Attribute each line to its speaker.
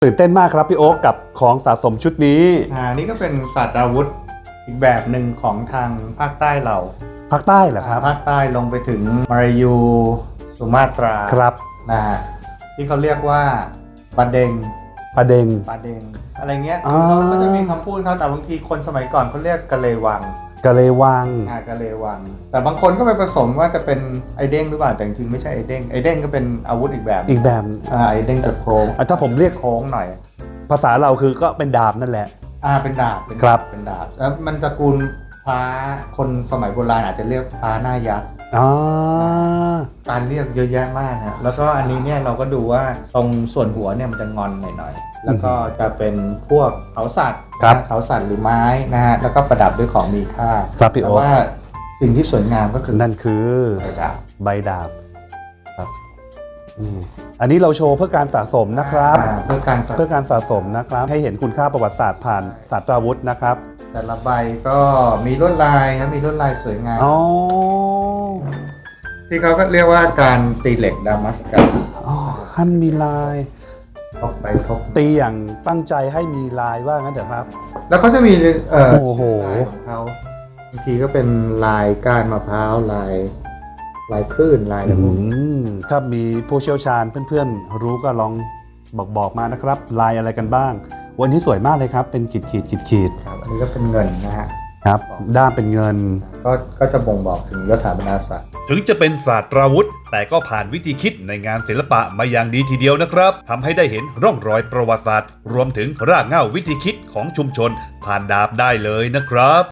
Speaker 1: ตื่นเต้นมากครับพี่โอ๊คกับของสะสมชุดนี้
Speaker 2: นี่ก็เป็นศาสตราวุธอีกแบบหนึ่งของทางภาคใต้เรา
Speaker 1: ภาคใต้เหรอครับ
Speaker 2: ภาคใต้ลงไปถึงมาลายูสุมาตรา
Speaker 1: ครับ
Speaker 2: นะฮะที่เขาเรียกว่าปาเดงอะไรเงี้ยเขาก็จะมีคำพูดเขาแต่บางทีคนสมัยก่อนเขาเรียกกะเลวัง
Speaker 1: กะเลวัง
Speaker 2: แต่บางคนก็ไปผสมว่าจะเป็นไอเด้งหรือเปล่าแต่จริงๆไม่ใช่ไอเด้งก็เป็นอาวุธอีกแบบไอเด้งจะโค้ง
Speaker 1: ถ้าผมเรียก
Speaker 2: โค้งหน่อย
Speaker 1: ภาษาเราคือก็เป็นดาบนั่นแหละ
Speaker 2: เป็นดาบ
Speaker 1: ครับ
Speaker 2: เป็นดาบแล้วมันตระกูลพระคนสมัยโบราณอาจจะเรียกพระหน้ายักษ์การเรียกเยอะแยะมากนะแล้วก็อันนี้เนี่ยเราก็ดูว่าตรงส่วนหัวเนี่ยมันจะงอนหน่อยๆแล้วก็จะเป็นพวกเขาสัตว์หรือไม้นะฮะแล้วก็ประดับด้วยของมีค่า
Speaker 1: ครับพี่โอ๊ค
Speaker 2: แต่ว่าสิ่งที่สวยงามก็คือ
Speaker 1: นั่นคือใบดาบครับอันนี้เราโชว์เพื่อการสะสมนะครับ
Speaker 2: เพื่อ
Speaker 1: การสะสมนะครับให้เห็นคุณค่าประวัติศาสตร์ผ่านศาสตราวุธนะครับ
Speaker 2: แต่ละใบก็มีลวดลายนะมีลวดลายสวยงามที่เขาก็เรียกว่าการตีเหล็กดามัสกัส
Speaker 1: ขั้นมีลาย
Speaker 2: ทบ
Speaker 1: ตีอย่างตั้งใจให้มีลายว่างั้นเถอะครับ
Speaker 2: แล้วเขาจะมี
Speaker 1: โอ้โห
Speaker 2: ของเขาบางทีก็เป็นลายก้านมะพร้าวลายคลื่นลายอะไรพวกนี้
Speaker 1: ถ้ามีผู้เชี่ยวชาญเพื่อนๆรู้ก็ลองบอกมานะครับลายอะไรกันบ้างวันนี้สวยมากเลยครับเป็นขีด
Speaker 2: ครับอันนี้ก็เป็นเงินนะฮะ
Speaker 1: ครับด้ามเป็นเงิน
Speaker 2: ก็จะบ่งบอกถึงยศถาบรรดาศักดิ์
Speaker 3: ถึงจะเป็นศาสตราวุธแต่ก็ผ่านวิธีคิดในงานศิลปะมาอย่างดีทีเดียวนะครับทำให้ได้เห็นร่องรอยประวัติศาสตร์รวมถึงรากเหง้าวิธีคิดของชุมชนผ่านดาบได้เลยนะครับ